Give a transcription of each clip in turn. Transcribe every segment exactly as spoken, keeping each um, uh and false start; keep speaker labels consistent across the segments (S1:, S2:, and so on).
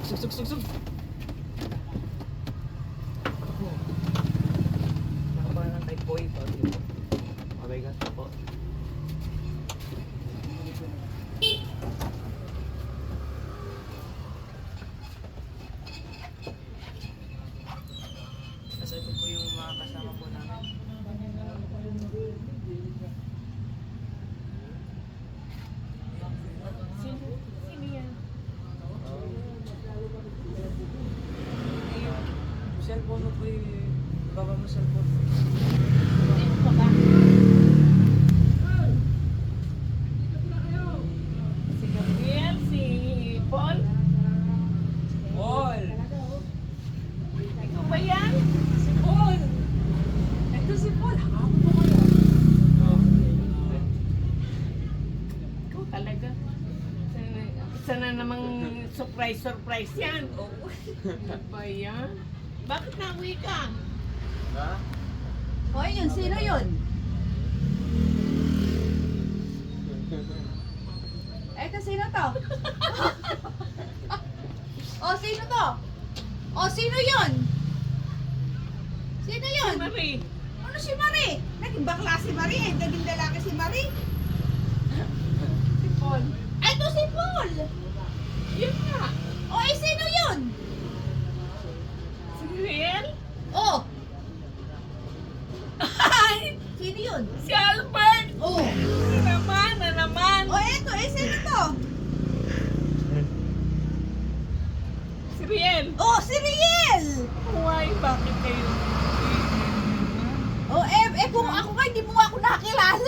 S1: Sug, sug, sug, sug. Nakabahan ng type boy pa. Okay ka po. Kasi ito po yung mga kasama po namin.
S2: Sino? Sino yan?
S1: Cellphone mo po yung baba mo cellphone.
S2: Sino ka ba? Si Gabriel, si Paul?
S1: Paul!
S2: Ikaw ba yan?
S1: Si Paul!
S2: Ito si Paul. Hakapon mo kayo. Ikaw talaga. Isa na namang surprise-surprise yan. Oh. Ano ba yan? Bakit nauwi ka?
S1: Ha?
S3: Hoy, yun, sino yun? Eto, sino to? O, sino to? O, sino yun? Sino yun?
S2: Marie.
S3: Ano si Marie? Naging bakla si Marie, eh. Naging lalaki si Marie.
S2: Si Paul.
S3: Eto si Paul.
S2: Yun nga.
S3: O, eh, sino yun?
S2: Si Riel.
S3: O.
S2: Ay!
S3: Sino yun?
S2: Si Albert.
S3: O.
S2: Na naman, na naman.
S3: O, eto, eh, sino to?
S2: Si Riel.
S3: O, si Riel.
S2: Why? Bakit kayo?
S3: O, eh, eh, kung ako nga, hindi mo nga ako nakakilala.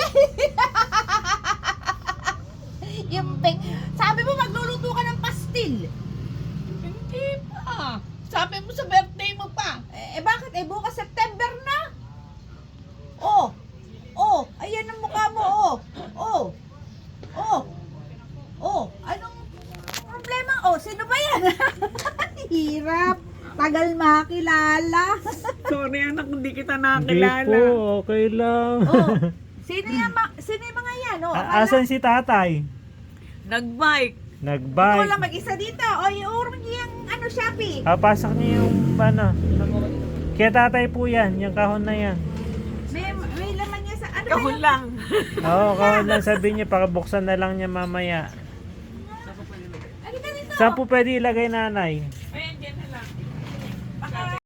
S3: Yung pek. Sabi mo, magluluto ka ng pastil.
S2: Hindi pa. Sabi mo sa birthday mo pa.
S3: Eh, eh, bakit? Eh, bukas September na. Oh. Oh, ayan ang mukha mo, oh. Oh. Oh. Oh, anong problema? Oh, sino ba yan? Hirap. Tagal makilala.
S2: Sorry anak, hindi kita
S4: Hindi
S2: nakilala.
S4: po, okay lang.
S3: Oh, sino yan? Ma- sino yung mga yan? Oh,
S4: A- asan si tatay?
S2: Nag-bike.
S3: Ikaw
S4: Nag-bike.
S3: lang mag-isa dito. O, yung, yung ano, Shopee.
S4: Ah, pasok niyo yung ano. Kaya tatay po yan, yung kahon na yan.
S3: May, may laman niya sa, ano
S2: Kahon
S3: ba yun?
S2: lang.
S4: Oo, kahon lang sabi niya, pakabuksan na lang niya mamaya.
S3: Halika dito.
S4: Saan po pwede ilagay nanay?